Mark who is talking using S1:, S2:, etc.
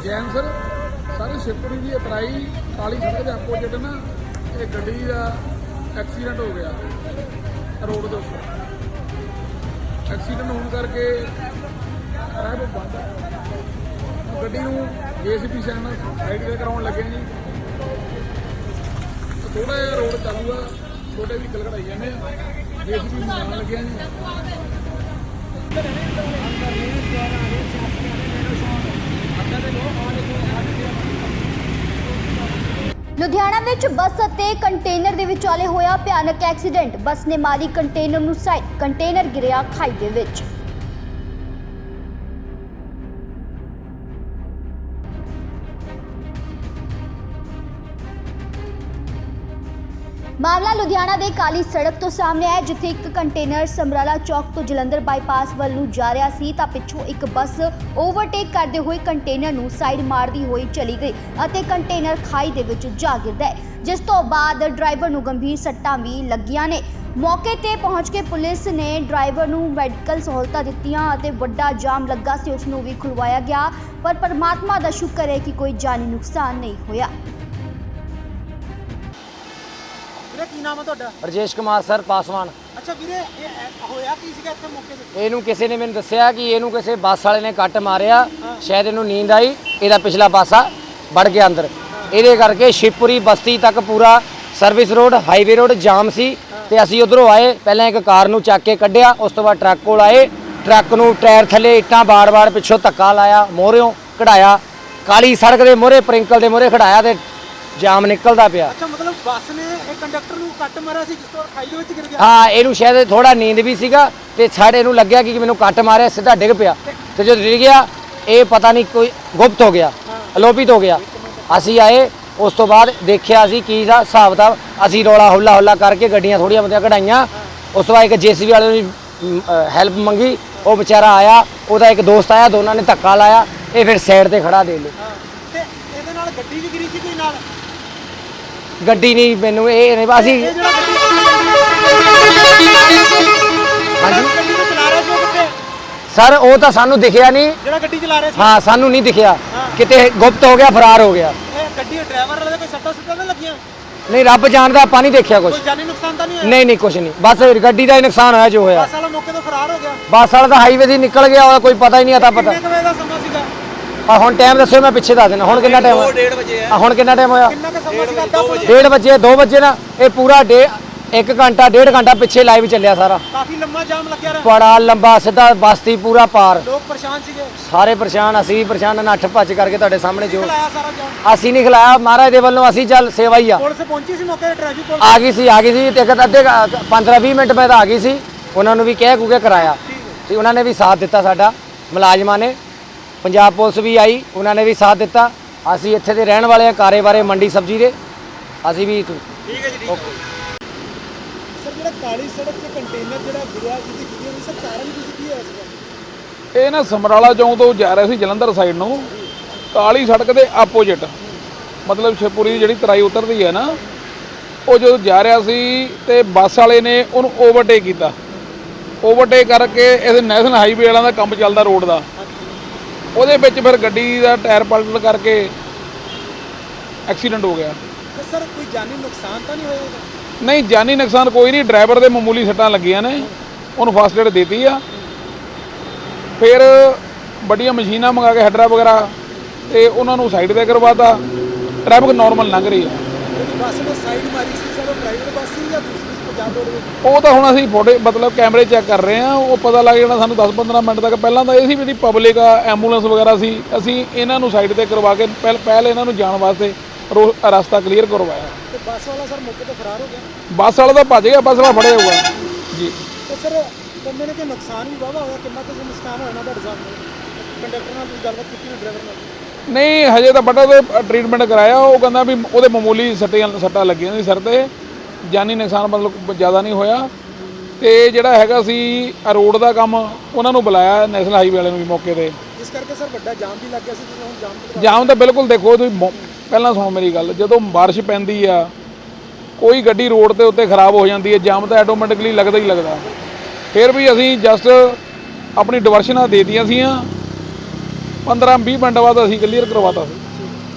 S1: Jain sir ਸਾਰੇ ਸ਼ਿਵਪੁਰੀ ਦੀ ਅਤਰਾਈ ਕਾਲੀ ਸੜਕ ਦੇ ਆਪੋਜਿਟ ਨਾ ਇਹ ਗੱਡੀ ਦਾ ਐਕਸੀਡੈਂਟ ਹੋ ਗਿਆ ਰੋਡ ਦੇ ਉੱਪਰ। ਐਕਸੀਡੈਂਟ ਹੋਣ ਕਰਕੇ ਟ੍ਰੈਫਿਕ ਬੰਦ ਹੈ। ਗੱਡੀ ਨੂੰ ਜੇਸੀਬੀ ਨਾਲ ਸਾਈਡ ਤੇ ਕਰਾਉਣ ਲੱਗੇ ਜੀ। ਥੋੜਾ ਜਿਹਾ ਰੋਡ ਚਾਲੂ ਆ, ਛੋਟੇ ਵਹੀਕਲ ਕਢਾਈ ਜਾਂਦੇ ਆ, ਜੇਸੀਬੀ ਬਣਾਉਣ ਲੱਗੇ ਜੀ।
S2: ਲੁਧਿਆਣਾ ਵਿੱਚ ਬੱਸ ਅਤੇ ਕੰਟੇਨਰ ਦੇ ਵਿਚਾਲੇ ਹੋਇਆ ਭਿਆਨਕ ਐਕਸੀਡੈਂਟ। ਬੱਸ ਨੇ ਮਾਰੀ ਕੰਟੇਨਰ ਨੂੰ ਸਾਈਡ, ਕੰਟੇਨਰ ਗਿਰਿਆ ਖਾਈ ਦੇ ਵਿੱਚ। ਮਾਮਲਾ ਲੁਧਿਆਣਾ ਦੇ ਕਾਲੀ ਸੜਕ ਤੋਂ ਸਾਹਮਣੇ ਆਇਆ, ਜਿੱਥੇ ਇੱਕ ਕੰਟੇਨਰ ਸਮਰਾਲਾ ਚੌਕ ਤੋਂ ਜਲੰਧਰ ਬਾਈਪਾਸ ਵੱਲ ਨੂੰ ਜਾ ਰਿਹਾ ਸੀ ਤਾਂ ਪਿੱਛੋਂ ਇੱਕ ਬੱਸ ਓਵਰਟੇਕ ਕਰਦੇ ਹੋਏ ਕੰਟੇਨਰ ਨੂੰ ਸਾਈਡ ਮਾਰਦੀ ਹੋਈ ਚਲੀ ਗਈ ਅਤੇ ਕੰਟੇਨਰ ਖਾਈ ਦੇ ਵਿੱਚ ਜਾ ਗਿਰਦਾ ਹੈ, ਜਿਸ ਤੋਂ ਬਾਅਦ ਡਰਾਈਵਰ ਨੂੰ ਗੰਭੀਰ ਸੱਟਾਂ ਵੀ ਲੱਗੀਆਂ ਨੇ। ਮੌਕੇ ਤੇ ਪਹੁੰਚ ਕੇ ਪੁਲਿਸ ਨੇ ਡਰਾਈਵਰ ਨੂੰ ਮੈਡੀਕਲ ਸਹੂਲਤਾਂ ਦਿੱਤੀਆਂ ਅਤੇ ਵੱਡਾ ਜਾਮ ਲੱਗਾ ਸੀ ਉਸ ਨੂੰ ਵੀ ਖੁਲਵਾਇਆ ਗਿਆ, ਪਰ ਪਰਮਾਤਮਾ ਦਾ ਸ਼ੁਕਰ ਹੈ ਕਿ ਕੋਈ ਜਾਨੀ ਨੁਕਸਾਨ ਨਹੀਂ ਹੋਇਆ।
S3: ਕੀ ਨਾਮ ਹੈ ਤੁਹਾਡਾ?
S4: ਰਜੇਸ਼ ਕੁਮਾਰ ਸਰ ਪਾਸਵਾਨ।
S3: ਅੱਛਾ ਵੀਰੇ, ਇਹ ਹੋਇਆ ਕੀ ਸੀਗਾ ਇੱਥੇ ਮੌਕੇ ਤੇ?
S4: ਇਹਨੂੰ ਕਿਸੇ ਨੇ ਮੈਨੂੰ ਦੱਸਿਆ ਕਿ ਇਹਨੂੰ ਕਿਸੇ ਬੱਸ ਵਾਲੇ ਨੇ ਕੱਟ ਮਾਰਿਆ, ਸ਼ਾਇਦ ਇਹਨੂੰ ਨੀਂਦ ਆਈ, ਇਹਦਾ ਪਿਛਲਾ ਪਾਸਾ ਵੜ ਗਿਆ ਅੰਦਰ। ਇਹਦੇ ਕਰਕੇ ਸ਼ਿਵਪੁਰੀ ਬਸਤੀ ਤੱਕ ਪੂਰਾ service road highway road jam ਸੀ ਤੇ ਅਸੀਂ ਉਧਰੋਂ ਆਏ। ਪਹਿਲਾਂ ਇੱਕ ਕਾਰ ਨੂੰ ਚੱਕ ਕੇ ਕੱਢਿਆ, ਉਸ ਤੋਂ ਬਾਅਦ ਟਰੱਕ ਕੋਲ ਆਏ। ਟਰੱਕ ਨੂੰ ਟਾਇਰ ਥੱਲੇ ਇੱਟਾਂ ਬਾੜ-ਬਾੜ ਪਿੱਛੋਂ ਧੱਕਾ ਲਾਇਆ, ਮੋਹਰਿਓਂ ਕਢਾਇਆ, ਕਾਲੀ ਸੜਕ ਦੇ ਮੋਹਰੇ ਪ੍ਰਿੰਕਲ ਦੇ ਮੋਹਰੇ ਖੜਾਇਆ ਤੇ ਜਾਮ ਨਿਕਲਦਾ ਪਿਆ।
S3: ਅੱਛਾ, ਮਤਲਬ ਬੱਸ ਨੇ ਇਹ ਕੰਡਕਟਰ ਨੂੰ ਕੱਟ ਮਾਰਿਆ ਸੀ ਜਿਸ ਤੋਂ ਖਾਈ ਦੇ ਵਿੱਚ ਗਿਰ ਗਿਆ?
S4: ਹਾਂ, ਇਹਨੂੰ ਸ਼ਾਇਦ ਥੋੜਾ ਨੀਂਦ ਵੀ ਸੀਗਾ ਤੇ ਸਾਡੇ ਇਹਨੂੰ ਲੱਗਿਆ ਕਿ ਮੈਨੂੰ ਕੱਟ ਮਾਰਿਆ, ਸਿੱਧਾ ਡਿੱਗ ਪਿਆ ਤੇ ਜਦੋਂ ਡਿੱਗ ਗਿਆ ਇਹ ਪਤਾ ਨਹੀਂ ਕੋਈ ਗੁਪਤ ਹੋ ਗਿਆ, ਅਲੋਪਿਤ ਹੋ ਗਿਆ। ਅਸੀਂ ਆਏ, ਉਸ ਤੋਂ ਬਾਅਦ ਦੇਖਿਆ ਅਸੀਂ ਕੀ ਦਾ ਹਿਸਾਬ ਕਿਤਾਬ। ਅਸੀਂ ਰੌਲਾ ਹੌਲਾ ਕਰਕੇ ਗੱਡੀਆਂ ਥੋੜੀਆਂ ਬਹੁਤੀਆਂ ਕਢਾਈਆਂ। ਉਸ ਤੋਂ ਬਾਅਦ ਇੱਕ ਜੇਸੀਬੀ ਵਾਲੇ ਨੂੰ ਹੈਲਪ ਮੰਗੀ, ਉਹ ਵਿਚਾਰਾ ਆਇਆ, ਉਹਦਾ ਇੱਕ ਦੋਸਤ ਆਇਆ, ਦੋਨਾਂ ਨੇ ਧੱਕਾ ਲਾਇਆ, ਇਹ ਫਿਰ ਸਾਈਡ ਤੇ ਖੜਾ ਦੇ ਲਿਆ।
S3: ਤੇ ਇਹਦੇ ਨਾਲ ਗੱਡੀ ਵੀ ਗਿਰੀ ਸੀ ਕੋਈ ਨਾਲ?
S4: ਗੱਡੀ ਨਹੀਂ, ਮੈਨੂੰ ਇਹ ਨਹੀਂ, ਅਸੀਂ
S3: ਇਹ ਜਿਹੜਾ ਗੱਡੀ
S4: ਹਾਂਜੀ
S3: ਗੱਡੀ ਨੂੰ ਚਲਾ ਰਿਹਾ ਸੀ ਉਹ ਕਿੱਥੇ?
S4: ਸਰ ਉਹ ਤਾਂ ਸਾਨੂੰ ਦਿਖਿਆ ਨਹੀਂ।
S3: ਜਿਹੜਾ ਗੱਡੀ ਚਲਾ ਰਿਹਾ ਸੀ?
S4: ਹਾਂ, ਸਾਨੂੰ ਨਹੀਂ ਦਿਖਿਆ, ਕਿਤੇ ਗੁਪਤ ਹੋ ਗਿਆ, ਫਰਾਰ ਹੋ ਗਿਆ।
S3: ਇਹ ਗੱਡੀ ਡਰਾਈਵਰ ਵਾਲੇ ਦੇ ਕੋਈ ਸੱਟਾਂ ਸੁੱਟਾਂ ਤਾਂ ਲੱਗੀਆਂ?
S4: ਨਹੀਂ, ਰੱਬ ਜਾਣਦਾ, ਆਪਾਂ ਨਹੀਂ ਦੇਖਿਆ ਕੁਝ।
S3: ਕੋਈ ਜਾਨੀ ਨੁਕਸਾਨ ਤਾਂ ਨਹੀਂ ਹੋਇਆ?
S4: ਨਹੀਂ ਕੁਝ ਨਹੀਂ, ਬਸ ਗੱਡੀ ਦਾ ਹੀ ਨੁਕਸਾਨ ਹੋਇਆ ਜੋ ਹੋਇਆ।
S3: ਬੱਸ ਵਾਲਾ ਮੌਕੇ ਤੋਂ ਫਰਾਰ ਹੋ ਗਿਆ?
S4: ਬੱਸ ਵਾਲਾ ਤਾਂ ਹਾਈਵੇ ਦੀ ਨਿਕਲ ਗਿਆ, ਉਹਦਾ ਕੋਈ ਪਤਾ ਹੀ ਨਹੀਂ आता ਪਤਾ।
S3: ਕਿੰਨੇ ਕੁ ਵਜੇ ਦਾ ਸਮਾਂ ਸੀਗਾ?
S4: ਹੁਣ ਟਾਈਮ ਦੱਸਿਓ, ਮੈਂ ਪਿੱਛੇ ਦੱਸ ਦੇਣਾ। ਹੁਣ ਕਿੰਨਾ ਟਾਈਮ ਹੋਇਆ?
S3: 2:30 ਵਜੇ ਹੈ।
S4: ਹੁਣ ਕਿੰਨਾ ਟਾਈਮ ਹੋਇਆ?
S3: ਕਿੰਨਾ ਕੁ ਸਮਾਂ ਸੀਗਾ? 2 ਵਜੇ।
S4: 1:30 ਵਜੇ, 2 ਵਜੇ ਨਾ, ਇਹ ਪੂਰਾ 1 ਘੰਟਾ 1.5 ਘੰਟਾ ਪਿੱਛੇ ਲਾਈਵ ਚੱਲਿਆ ਸਾਰਾ।
S3: ਕਾਫੀ ਲੰਮਾ ਜਾਮ ਲੱਗਿਆ ਰਿਹਾ।
S4: ਬੜਾ ਲੰਬਾ, ਸਿੱਧਾ ਬਸਤੀ ਪੂਰਾ ਪਾਰ।
S3: ਲੋਕ ਪਰੇਸ਼ਾਨ ਸੀਗੇ?
S4: ਸਾਰੇ ਪਰੇਸ਼ਾਨ, ਅਸੀਂ ਵੀ ਪਰੇਸ਼ਾਨ, ਨੱਠ ਭੱਜ ਕਰਕੇ ਤੁਹਾਡੇ ਸਾਹਮਣੇ ਜੋ
S3: ਖਲਾਇਆ ਸਾਰਾ ਜਾਮ?
S4: ਅਸੀਂ ਨਹੀਂ ਖਿਲਾਇਆ, ਮਹਾਰਾਜ ਦੇ ਵੱਲੋਂ ਅਸੀਂ ਚੱਲ ਸੇਵਾ ਹੀ ਆ।
S3: ਪੁਲਿਸ ਪਹੁੰਚੀ ਸੀ ਮੌਕੇ ਤੇ? ਟ੍ਰੈਫਿਕ ਪੁਲਿਸ
S4: ਆ ਗਈ ਸੀ ਤੇ ਅੱਧੇ 15-20 ਮਿੰਟ ਬਾਅਦ ਆ ਗਈ ਸੀ। ਉਹਨਾਂ ਨੂੰ ਵੀ ਕਹਿ ਕੂ ਕੇ ਕਰਾਇਆ ਤੇ ਉਹਨਾਂ ਨੇ ਵੀ ਸਾਥ ਦਿੱਤਾ ਸਾਡਾ, ਮੁਲਾਜ਼ਮਾਂ ਨੇ, ਪੰਜਾਬ ਪੁਲਿਸ ਵੀ ਆਈ, ਉਹਨਾਂ ਨੇ ਵੀ ਸਾਥ ਦਿੱਤਾ। ਅਸੀਂ ਇੱਥੇ ਦੇ ਰਹਿਣ ਵਾਲੇ ਆ, ਕਾਰੇ ਬਾਰੇ ਮੰਡੀ ਸਬਜ਼ੀ ਦੇ, ਅਸੀਂ ਵੀ।
S3: ਠੀਕ ਹੈ ਜੀ, ਠੀਕ ਹੈ। ਸਰ, ਜਿਹੜਾ ਕਾਲੀ ਸੜਕ ਤੇ ਕੰਟੇਨਰ ਜਿਹੜਾ ਗਿਰਿਆ, ਜਿਹਦੀ ਵੀਡੀਓ ਨਹੀਂ, ਸਰ ਕਾਰਨ ਕੀ ਹੈ ਇਸਦਾ?
S1: ਇਹ ਨਾ ਸਮਰਾਲਾ ਚੌਂਕ ਤੋਂ ਜਾ ਰਿਹਾ ਸੀ ਜਲੰਧਰ ਸਾਈਡ ਨੂੰ, ਕਾਲੀ ਸੜਕ ਦੇ ਆਪੋਜਿਟ, ਮਤਲਬ ਸ਼ਿਵਪੁਰੀ ਦੀ ਜਿਹੜੀ ਤਰਾਈ ਉਤਰਦੀ ਹੈ ਨਾ, ਉਹ ਜਦੋਂ ਜਾ ਰਿਹਾ ਸੀ ਤੇ ਬੱਸ ਵਾਲੇ ਨੇ ਉਹਨੂੰ ਓਵਰਟੇਕ ਕੀਤਾ। ਓਵਰਟੇਕ ਕਰਕੇ ਇਹਦੇ ਨੈਸ਼ਨਲ ਹਾਈਵੇ ਵਾਲਿਆਂ ਦਾ ਕੰਮ ਚੱਲਦਾ ਰੋਡ ਦਾ, ਉਹਦੇ ਵਿੱਚ ਫਿਰ ਗੱਡੀ ਦਾ ਟਾਇਰ ਪਲਟਣ ਕਰਕੇ ਐਕਸੀਡੈਂਟ ਹੋ ਗਿਆ।
S3: ਤੇ ਸਰ ਕੋਈ ਜਾਨੀ ਨੁਕਸਾਨ ਤਾਂ ਨਹੀਂ ਹੋਇਆ ਇਹਦਾ?
S1: ਨਹੀਂ, ਜਾਨੀ ਨੁਕਸਾਨ ਕੋਈ ਨਹੀਂ। ਡਰਾਈਵਰ ਦੇ ਮਾਮੂਲੀ ਸੱਟਾਂ ਲੱਗੀਆਂ ਨੇ, ਉਹਨੂੰ ਫਸਟ ਏਡ ਦਿੱਤੀ ਆ। ਫਿਰ ਵੱਡੀਆਂ ਮਸ਼ੀਨਾਂ ਮੰਗਾ ਕੇ ਹੈਡਰਾ ਵਗੈਰਾ ਤੇ ਉਹਨਾਂ ਨੂੰ ਸਾਈਡ ਤੇ ਕਰਵਾਤਾ। ਟ੍ਰੈਫਿਕ ਨਾਰਮਲ ਲੰਘ ਰਹੀ ਆ।
S3: ਜਿਹੜੀ ਬੱਸ ਨੇ ਸਾਈਡ ਮਾਰੀ ਸੀ ਸਰ, ਉਹ ਪ੍ਰਾਈਵੇਟ ਬੱਸ ਸੀ ਜਾਂ ਦੂਸਰੀ ਪੰਜਾਬ ਰੋਡਵੇਜ਼?
S1: ਉਹ ਤਾਂ ਹੁਣ ਅਸੀਂ ਫੋਟੋ ਮਤਲਬ ਕੈਮਰੇ ਚੈੱਕ ਕਰ ਰਹੇ ਆ, ਉਹ ਪਤਾ ਲੱਗ ਜਾਣਾ ਸਾਨੂੰ 10-15 ਮਿੰਟ ਤੱਕ। ਪਹਿਲਾਂ ਤਾਂ ਇਹ ਸੀ ਵੀ ਇਹਦੀ ਪਬਲਿਕ ਆ, ਐਂਬੂਲੈਂਸ ਵਗੈਰਾ ਸੀ, ਅਸੀਂ ਇਹਨਾਂ ਨੂੰ ਸਾਈਡ ਤੇ ਕਰਵਾ ਕੇ ਪਹਿਲ ਇਹਨਾਂ ਨੂੰ ਜਾਣ ਵਾਸਤੇ ਰਸਤਾ ਕਲੀਅਰ ਕਰਵਾਇਆ।
S3: ਤੇ ਬੱਸ ਵਾਲਾ ਸਰ ਮੌਕੇ ਤੋਂ ਫਰਾਰ ਹੋ ਗਿਆ?
S1: ਬੱਸ ਵਾਲਾ ਤਾਂ ਭੱਜ ਗਿਆ, ਬੱਸ ਵਾਲਾ ਫੜਿਆ ਹੋਊਗਾ ਜੀ।
S3: ਤੇ ਸਰ ਕਹਿੰਦੇ ਨੇ ਕਿ ਨੁਕਸਾਨ ਵੀ ਵਾਹਵਾ ਹੋਇਆ, ਕਿੰਨਾ ਕੁ ਨੁਕਸਾਨ ਹੋਇਆ ਨਾ ਤੁਹਾਡੇ ਸਾਹਮਣੇ? ਕੰਡਕਟਰ ਨਾਲ ਤੁਸੀਂ ਗੱਲਬਾਤ ਕੀਤੀ ਨਾ, ਡਰਾਈਵਰ ਨਾਲ?
S1: ਨਹੀਂ, ਹਜੇ ਤਾਂ ਬੜਾ ਤੇ ਟ੍ਰੀਟਮੈਂਟ ਕਰਾਇਆ। ਉਹ ਕਹਿੰਦਾ ਵੀ ਉਹਦੇ ਮਾਮੂਲੀ ਸੱਟਾਂ ਲੱਗੀਆਂ ਸੀ ਸਿਰ ਤੇ, ਜਾਨੀ ਨੁਕਸਾਨ ਮਤਲਬ ਜ਼ਿਆਦਾ ਨਹੀਂ ਹੋਇਆ। ਤੇ ਜਿਹੜਾ ਹੈਗਾ ਸੀ ਰੋਡ ਦਾ ਕੰਮ, ਉਹਨਾਂ ਨੂੰ ਬੁਲਾਇਆ ਨੈਸ਼ਨਲ ਹਾਈਵੇ ਵਾਲਿਆਂ ਨੂੰ ਵੀ ਮੌਕੇ ਤੇ,
S3: ਜਿਸ ਕਰਕੇ ਸਰ ਵੱਡਾ ਜਾਮ ਵੀ ਲੱਗ ਗਿਆ ਸੀ। ਜਿਵੇਂ ਹੁਣ
S1: ਜਾਮ ਤਾਂ ਬਿਲਕੁਲ ਦੇਖੋ ਤੁਸੀਂ, ਪਹਿਲਾਂ ਸੁਣੋ ਮੇਰੀ ਗੱਲ, ਜਦੋਂ ਬਾਰਿਸ਼ ਪੈਂਦੀ ਆ ਕੋਈ ਗੱਡੀ ਰੋਡ ਦੇ ਉੱਤੇ ਖਰਾਬ ਹੋ ਜਾਂਦੀ ਹੈ, ਜਾਮ ਤਾਂ ਆਟੋਮੈਟਿਕਲੀ ਲੱਗਦਾ ਹੀ ਲੱਗਦਾ। ਫਿਰ ਵੀ ਅਸੀਂ ਜਸਟ ਆਪਣੀ ਡਿਵਰਸ਼ਨਾਂ ਦੇ ਦਿੱਤੀਆਂ ਸੀਆਂ 15-20 ਮਿੰਟ ਬਾਅਦ ਅਸੀਂ ਕਲੀਅਰ ਕਰਵਾਤਾ ਸੀ।